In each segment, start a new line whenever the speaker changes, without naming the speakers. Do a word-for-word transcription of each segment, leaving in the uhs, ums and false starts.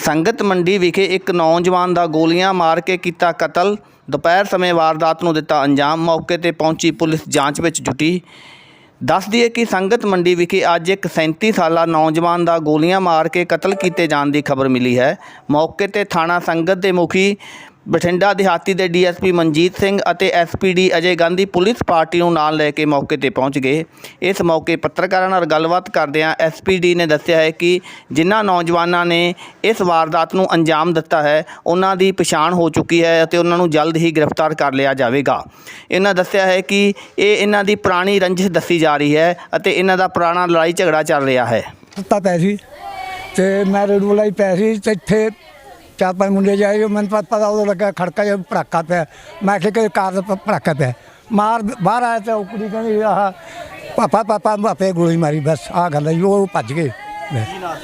ਸੰਗਤ ਮੰਡੀ ਵਿਖੇ ਇੱਕ ਨੌਜਵਾਨ ਦਾ ਗੋਲੀਆਂ ਮਾਰ ਕੇ ਕੀਤਾ ਕਤਲ। ਦੁਪਹਿਰ ਸਮੇਂ ਵਾਰਦਾਤ ਨੂੰ ਦਿੱਤਾ ਅੰਜਾਮ। ਮੌਕੇ ਤੇ ਪਹੁੰਚੀ ਪੁਲਿਸ ਜਾਂਚ ਵਿੱਚ ਜੁਟੀ। ਦੱਸ ਦਈਏ ਕਿ ਸੰਗਤ ਮੰਡੀ ਵਿਖੇ ਅੱਜ ਇੱਕ ਸੈਂਤੀ ਸਾਲਾ ਨੌਜਵਾਨ ਦਾ ਗੋਲੀਆਂ ਮਾਰ ਕੇ ਕਤਲ ਕੀਤੇ ਜਾਣ ਦੀ ਖਬਰ ਮਿਲੀ ਹੈ। ਮੌਕੇ ਤੇ ਥਾਣਾ ਸੰਗਤ ਦੇ ਮੁਖੀ ਬਠਿੰਡਾ ਦਿਹਾਤੀ ਦੇ D S P Manjit Singh ਅਤੇ S P D Ajay Gandhi police party ਨੂੰ ਨਾਲ ਲੈ ਕੇ ਮੌਕੇ ਤੇ ਪਹੁੰਚ ਗਏ। ਇਸ ਮੌਕੇ ਪੱਤਰਕਾਰਾਂ ਨਾਲ ਗੱਲਬਾਤ ਕਰਦਿਆਂ ਐਸ ਪੀ ਡੀ ਨੇ ਦੱਸਿਆ ਹੈ ਕਿ ਜਿਨ੍ਹਾਂ ਨੌਜਵਾਨਾਂ ਨੇ ਇਸ ਵਾਰਦਾਤ ਨੂੰ ਅੰਜਾਮ ਦਿੱਤਾ ਹੈ ਉਹਨਾਂ ਦੀ ਪਛਾਣ ਹੋ ਚੁੱਕੀ ਹੈ ਅਤੇ ਉਹਨਾਂ ਨੂੰ ਜਲਦ ਹੀ ਗ੍ਰਿਫਤਾਰ ਕਰ ਲਿਆ ਜਾਵੇਗਾ। ਇਹਨਾਂ ਦੱਸਿਆ ਹੈ ਕਿ ਇਹ ਇਹਨਾਂ ਦੀ ਪੁਰਾਣੀ ਰੰਜਿਸ਼ ਦੱਸੀ ਜਾ ਰਹੀ ਹੈ ਅਤੇ ਇਹਨਾਂ ਦਾ ਪੁਰਾਣਾ ਲੜਾਈ ਝਗੜਾ ਚੱਲ ਰਿਹਾ ਹੈ।
ਤਾਂ ਪੈ ਸੀ ਤੇ ਮੈਂ ਰੇਡੂ ਲਈ ਪੈ ਸੀ ਤੇ ਇੱਥੇ ਚਾਰ ਪੰਜ ਮੁੰਡੇ ਜਾਏ ਮੈਨੂੰ ਪਤਾ ਉਦੋਂ ਲੱਗਾ ਖੜਕਾ ਜਿਹਾ ਭੜਾਕਾ ਪਿਆ। ਮੈਂ ਕਿਹਾ ਕਿ ਕਾਰ ਦਾ ਭੜਾਕਾ ਪਿਆ ਮਾਰ ਬਾਹਰ ਆਇਆ ਤੇ ਉਹ ਕੁੜੀ ਕਹਿੰਦੀ ਆਹ ਪਾਪਾ ਪਾਪਾ ਮਾਪੇ ਗੋਲੀ ਮਾਰੀ। ਬਸ ਆਹ ਗੱਲ ਹੈ। ਉਹ ਭੱਜ ਗਏ। ਹੈ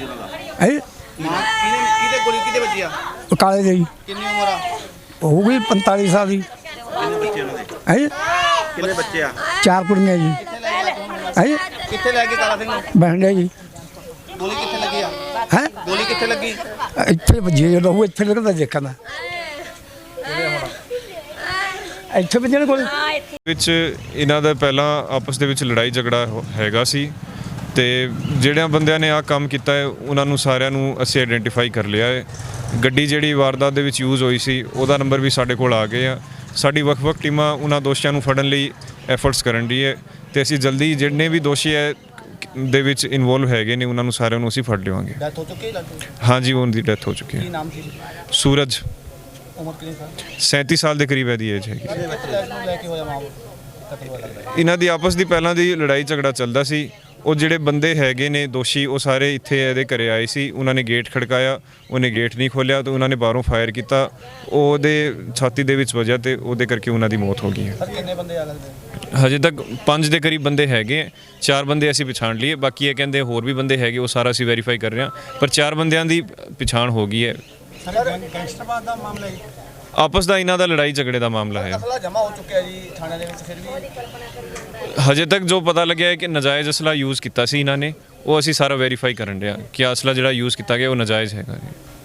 ਕਿਹਦੇ ਗੋਲੀ ਕਿਹਦੇ ਵੱਜੀ ਆ?
ਕਾਲੇ ਦੀ
ਕਿੰਨੀ ਉਮਰ ਆ?
ਹੋ ਗਈ ਪੰਤਾਲੀ ਸਾਲ ਦੀ।
ਕਿੰਨੇ ਬੱਚੇ ਉਹਨਾਂ ਦੇ?
ਹੈ
ਕਿੰਨੇ ਬੱਚੇ ਆ?
ਚਾਰ ਕੁੜੀਆਂ ਜੀ। ਹੈ
ਕਿੱਥੇ ਲੈ ਕੇ ਕਾਲਾ ਸਿੰਘ ਨੂੰ?
ਬਹਿੰਡੇ ਜੀ।
ਗੋਲੀ ਕਿੱਥੇ ਲੱਗੀ ਆ?
ਹੈ
ਗੋਲੀ ਕਿੱਥੇ ਲੱਗੀ?
ਇੱਥੇ ਵੱਜੀ ਜਦੋਂ ਉਹ ਇੱਥੇ ਲੱਗਦਾ ਦੇਖਣਾ ਇੱਥੇ ਵੱਜਣ ਕੋਲ
ਵਿੱਚ ਇਹਨਾਂ ਦਾ ਪਹਿਲਾਂ ਆਪਸ ਦੇ ਵਿੱਚ ਲੜਾਈ ਝਗੜਾ ਹੈਗਾ ਸੀ ਤੇ ਜਿਹੜਿਆਂ ਬੰਦਿਆਂ ਨੇ ਆਹ ਕੰਮ ਕੀਤਾ ਹੈ ਉਹਨਾਂ ਨੂੰ ਸਾਰਿਆਂ ਨੂੰ ਅਸੀਂ ਆਇਡੈਂਟੀਫਾਈ ਕਰ ਲਿਆ ਹੈ। ਗੱਡੀ ਜਿਹੜੀ ਵਾਰਦਾਤ ਦੇ ਵਿੱਚ ਯੂਜ਼ ਹੋਈ ਸੀ ਉਹਦਾ ਨੰਬਰ ਵੀ ਸਾਡੇ ਕੋਲ ਆ ਗਏ ਆ। ਸਾਡੀ ਵੱਖ-ਵੱਖ ਟੀਮਾਂ ਉਹਨਾਂ ਦੋਸ਼ੀਆਂ ਨੂੰ ਫੜਨ ਲਈ ਐਫਰਟਸ ਕਰਨ ਦੀ ਹੈ ਤੇ ਅਸੀਂ ਜਲਦੀ ਜਿੰਨੇ ਵੀ ਦੋਸ਼ੀ ਹੈ ਦੇ ਵਿੱਚ ਇਨਵੋਲਵ ਹੈਗੇ ਨੇ ਉਹਨਾਂ ਨੂੰ ਸਾਰਿਆਂ ਨੂੰ ਅਸੀਂ ਫੜ ਲਵਾਂਗੇ।
ਡੈਥ ਹੋ ਚੁੱਕੀ ਹੈ?
ਹਾਂਜੀ ਉਹਨਾਂ ਦੀ ਡੈਥ ਹੋ ਚੁੱਕੀ ਹੈ।
ਕੀ ਨਾਮ ਸੀ?
ਸੂਰਜ।
ਉਮਰ ਕਿੰਨੀ ਸਾਲ?
ਸੈਂਤੀ ਸਾਲ ਦੇ ਕਰੀਬ ਇਹਦੀ ਏਜ ਹੈਗੀ।
ਲੈ ਕੇ ਹੋਇਆ ਮਾਂ ਕਤਲ ਹੋਇਆ ਲੱਗਦਾ।
ਇਹਨਾਂ ਦੀ ਆਪਸ ਦੀ ਪਹਿਲਾਂ ਦੀ ਲੜਾਈ ਝਗੜਾ ਚੱਲਦਾ ਸੀ। ਉਹ ਜਿਹੜੇ ਬੰਦੇ ਹੈਗੇ ਨੇ ਦੋਸ਼ੀ ਉਹ ਸਾਰੇ ਇੱਥੇ ਇਹਦੇ ਘਰੇ ਆਏ ਸੀ। ਉਹਨਾਂ ਨੇ ਗੇਟ ਖੜਕਾਇਆ, ਉਹਨੇ ਗੇਟ ਨਹੀਂ ਖੋਲ੍ਹਿਆ ਤਾਂ ਉਹਨਾਂ ਨੇ ਬਾਹਰੋਂ ਫਾਇਰ ਕੀਤਾ। ਉਹਦੇ ਛਾਤੀ ਦੇ ਵਿੱਚ ਵੱਜਿਆ ਤੇ ਉਹਦੇ ਕਰਕੇ ਉਹਨਾਂ ਦੀ ਮੌਤ ਹੋ ਗਈ ਹੈ।
ਕਿੰਨੇ ਬੰਦੇ ਆ ਲੱਗਦੇ?
ਹਜੇ ਤੱਕ ਪੰਜ ਦੇ ਕਰੀਬ ਬੰਦੇ ਹੈਗੇ। ਚਾਰ ਬੰਦੇ ਅਸੀਂ ਪਛਾਣ ਲਈਏ, ਬਾਕੀ ਇਹ ਕਹਿੰਦੇ ਹੋਰ ਵੀ ਬੰਦੇ ਹੈਗੇ, ਉਹ ਸਾਰਾ ਅਸੀਂ ਵੈਰੀਫਾਈ ਕਰ ਰਹੇ ਹਾਂ, ਪਰ ਚਾਰ ਬੰਦਿਆਂ ਦੀ ਪਛਾਣ ਹੋ ਗਈ ਹੈ।
ਗੈਂਗਸਟਰਵਾਦ ਦਾ ਮਾਮਲਾ ਹੈ,
ਆਪਸ ਦਾ ਇਹਨਾਂ ਦਾ ਲੜਾਈ ਝਗੜੇ ਦਾ ਮਾਮਲਾ ਹੈ।
ਅਸਲਾ ਜਮ੍ਹਾਂ ਹੋ ਚੁੱਕਿਆ ਜੀ ਥਾਣੇ ਦੇ ਵਿੱਚ। ਫਿਰ ਵੀ
ਹਜੇ ਤੱਕ ਜੋ ਪਤਾ ਲੱਗਿਆ ਹੈ ਕਿ ਨਜਾਇਜ਼ ਅਸਲਾ ਯੂਜ਼ ਕੀਤਾ ਸੀ ਇਹਨਾਂ ਨੇ, ਉਹ ਅਸੀਂ ਸਾਰਾ ਵੈਰੀਫਾਈ ਕਰਨ ਰਹੇ ਹਾਂ ਕਿ ਅਸਲਾ ਜਿਹੜਾ ਯੂਜ਼ ਕੀਤਾ ਗਿਆ ਉਹ ਨਜਾਇਜ਼ ਹੈਗਾ ਜੀ।